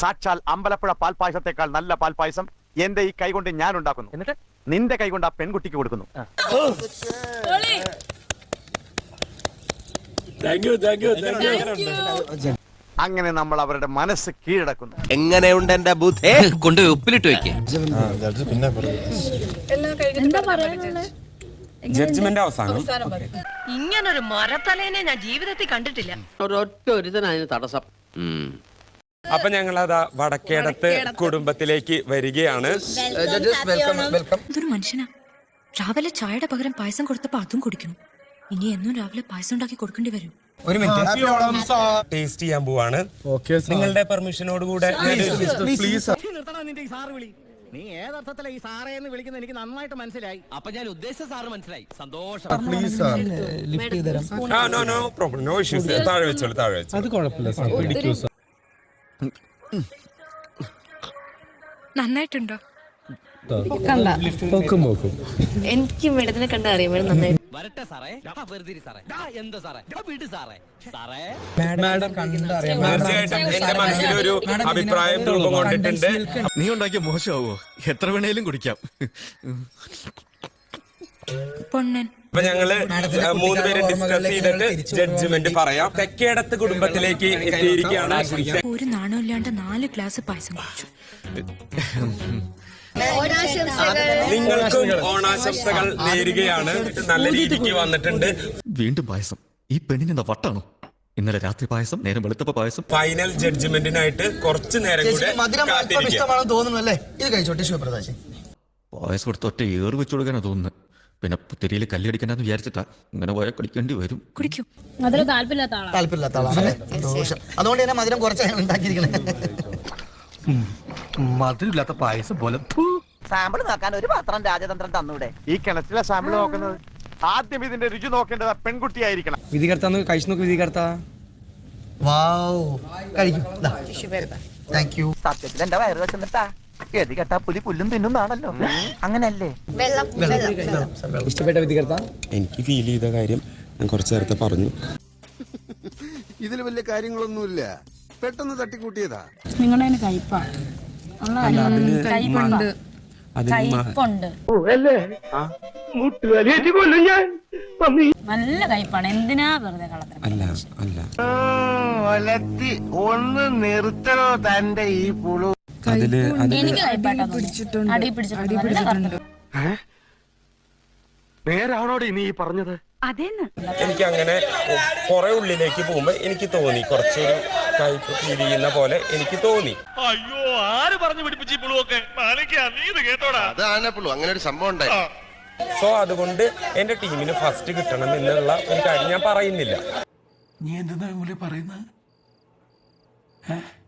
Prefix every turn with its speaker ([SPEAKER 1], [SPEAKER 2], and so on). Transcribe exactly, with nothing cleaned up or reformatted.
[SPEAKER 1] സാക്ഷാൽ അമ്പലപ്പുഴ പാൽപായസത്തെക്കാൾ നല്ല പാൽപായസം എന്റെ ഈ കൈകൊണ്ട് ഞാൻ ഉണ്ടാക്കുന്നു. എന്നിട്ട് നിന്റെ കൈകൊണ്ട് ആ പെൺകുട്ടിക്ക് കൊടുക്കുന്നു. അങ്ങനെ നമ്മൾ അവരുടെ മനസ്സ് കീഴടക്കുന്നു.
[SPEAKER 2] എങ്ങനെയുണ്ട് എന്റെ ബുദ്ധി?
[SPEAKER 3] കൊണ്ട് ഉപ്പിലിട്ട് വെക്കേ.
[SPEAKER 4] ജഡ്ജ്മെന്റ് അവസാനം.
[SPEAKER 5] ഇങ്ങനൊരു മരത്തലേനെ ഞാൻ ജീവിതത്തിൽ കണ്ടിട്ടില്ല.
[SPEAKER 6] ഒരൊറ്റ ഒരുത്തനായിരുന്നു തടസ്സം.
[SPEAKER 4] അപ്പൊ ഞങ്ങൾ അതാ വടക്കേടത്ത് കുടുംബത്തിലേക്ക് വരികയാണ്.
[SPEAKER 7] ഇതൊരു മനുഷ്യനാ. രാവിലെ ചായയുടെ പകരം പായസം കൊടുത്തപ്പോ അതും കുടിക്കണം. ഇനി എന്നും രാവിലെ പായസം ഉണ്ടാക്കി കൊടുക്കേണ്ടി വരും.
[SPEAKER 4] ഒരു മിനിറ്റ് ടേസ്റ്റ് ചെയ്യാൻ പോവാണ്. നിങ്ങളുടെ പെർമിഷനോട് കൂടെ.
[SPEAKER 6] നീ ഏതർത്ഥത്തിലാ ഈ സാറേ എന്ന് വിളിക്കുന്നത് എനിക്ക് നന്നായിട്ട് മനസ്സിലായി.
[SPEAKER 3] അപ്പൊ ഞാൻ ഉദ്ദേശിച്ച സാറ് മനസ്സിലായി. സന്തോഷം.
[SPEAKER 4] No problem, no issues. താഴെ വെച്ചോളൂ, താഴെ വെച്ചോളൂ.
[SPEAKER 8] അത് കുഴപ്പമില്ല.
[SPEAKER 7] നന്നായിട്ടുണ്ടോ?
[SPEAKER 5] എനിക്ക് മേഡത്തിനെ കണ്ട അറിയാം. മേഡം നന്നായി.
[SPEAKER 3] വരട്ടെ സാറേ. വെറുതെ സാറേ. എന്താ സാറേ? വീട് സാറേ. സാറേ
[SPEAKER 4] തീർച്ചയായിട്ടും എന്റെ മനസ്സിലൊരു അഭിപ്രായം രൂപം കൊണ്ടിട്ടുണ്ട്.
[SPEAKER 2] നീ ഉണ്ടാക്കിയ മോശമാവോ? എത്ര വേണേലും കുടിക്കാം.
[SPEAKER 7] പൊണ്ണൻ.
[SPEAKER 4] അപ്പൊ ഞങ്ങള് മൂന്ന് പേര് ഡിസ്കസ് ചെയ്തിട്ട് ജഡ്ജ്മെന്റ് പറയാം. തെക്കേടത്ത് കുടുംബത്തിലേക്ക് എത്തിയിരിക്കുകയാണ്.
[SPEAKER 7] ഒരു നാണമില്ലാണ്ട് നാല് ഗ്ലാസ് പായസം കുടിച്ചു.
[SPEAKER 4] നിങ്ങൾക്കും ഓണാശംസകൾ നേരുകയാണ്. നല്ല രീതിക്ക് വന്നിട്ടുണ്ട്.
[SPEAKER 2] വീണ്ടും പായസം. ഈ പെണ്ണിനെന്താ വട്ടാണോ? ഇന്നലെ രാത്രി പായസം, നേരം വെളുത്തപ്പ പായസം.
[SPEAKER 4] ഫൈനൽ ജഡ്ജ്മെന്റിനായിട്ട് കുറച്ചു നേരം കൂടെ
[SPEAKER 2] പായസം കൊടുത്ത് ഒറ്റ ഏറ് വെച്ചു കൊടുക്കാനാ തോന്നുന്നത്. പിന്നെ പുത്തിരിയിൽ കല്ലടിക്കണ്ടെന്ന് വിചാരിച്ചിട്ടാ. ഇങ്ങനെ പോയാൽ കളിക്കേണ്ടി വരും.
[SPEAKER 7] കുടിക്കും.
[SPEAKER 6] താല്പര്യമില്ലാത്ത ആളാണ്. അതുകൊണ്ട് തന്നെ മധുരം കുറച്ചാണ് ഉണ്ടാക്കിയിരിക്കണേ.
[SPEAKER 1] മധുരമില്ലാത്ത പായസം പോലെ.
[SPEAKER 6] സാമ്പിൾ നോക്കാൻ ഒരു പാത്രം രാജതന്ത്രം തന്നൂടെ?
[SPEAKER 1] ഈ കിണറ്റിലെ സാമ്പിൾ നോക്കുന്നത് ആദ്യം ഇതിന്റെ രുചി നോക്കേണ്ടത് പെൺകുട്ടിയായിരിക്കണം.
[SPEAKER 8] വിധികർത്താന്ന് കഴിച്ചു നോക്ക്. വിധികർത്താ
[SPEAKER 6] സത്യത്തിൽ എന്റെ വയറ് വെച്ചിട്ടാ ഗതി കെട്ടാ പുലി പുല്ലും തിന്നുന്നാണല്ലോ. അങ്ങനല്ലേ?
[SPEAKER 8] ഇഷ്ടപ്പെട്ട വിധികർത്താ?
[SPEAKER 4] എനിക്ക് ഫീൽ ചെയ്ത കാര്യം ഞാൻ കുറച്ചു നേരത്തെ പറഞ്ഞു.
[SPEAKER 9] ഇതിൽ വലിയ കാര്യങ്ങളൊന്നുമില്ല, പെട്ടെന്ന് തട്ടിക്കൂട്ടിയതാ.
[SPEAKER 5] നിങ്ങളുടെ കയ്പാ. കയ്പുണ്ട്. കയ്പുണ്ട്. നല്ല കയ്പാണ്. എന്തിനാ വെറുതെ കളത്തിന്?
[SPEAKER 4] അല്ല അല്ല
[SPEAKER 6] ഒന്ന് നിർത്തണോ തന്റെ ഈ പുളു?
[SPEAKER 4] അതില്
[SPEAKER 5] എനിക്ക് കയ്പാട്ടാ തോന്നുന്നു. അടി പിടിച്ചിട്ടുണ്ട്.
[SPEAKER 1] നേരാണോടി നീ പറഞ്ഞത്?
[SPEAKER 5] അതേന്ന്
[SPEAKER 4] എനിക്ക് അങ്ങനെ കുറെ ഉള്ളിലേക്ക് പോകുമ്പോ എനിക്ക് തോന്നി കുറച്ചൊരു കയ്പ് ഫീൽ ചെയ്യുന്ന പോലെ എനിക്ക് തോന്നി.
[SPEAKER 1] അയ്യോ, ആര് പറഞ്ഞു പിടിപ്പിച്ചു പുളുവൊക്കെ?
[SPEAKER 9] അതാണ് പുളു, അങ്ങനെ ഒരു സംഭവം ഉണ്ടായി.
[SPEAKER 4] സോ അതുകൊണ്ട് എന്റെ ടീമിന് ഫസ്റ്റ് കിട്ടണം എന്നുള്ള ഒരു കാര്യം ഞാൻ പറയുന്നില്ല.
[SPEAKER 8] നീ എന്താ പറയുന്നത്?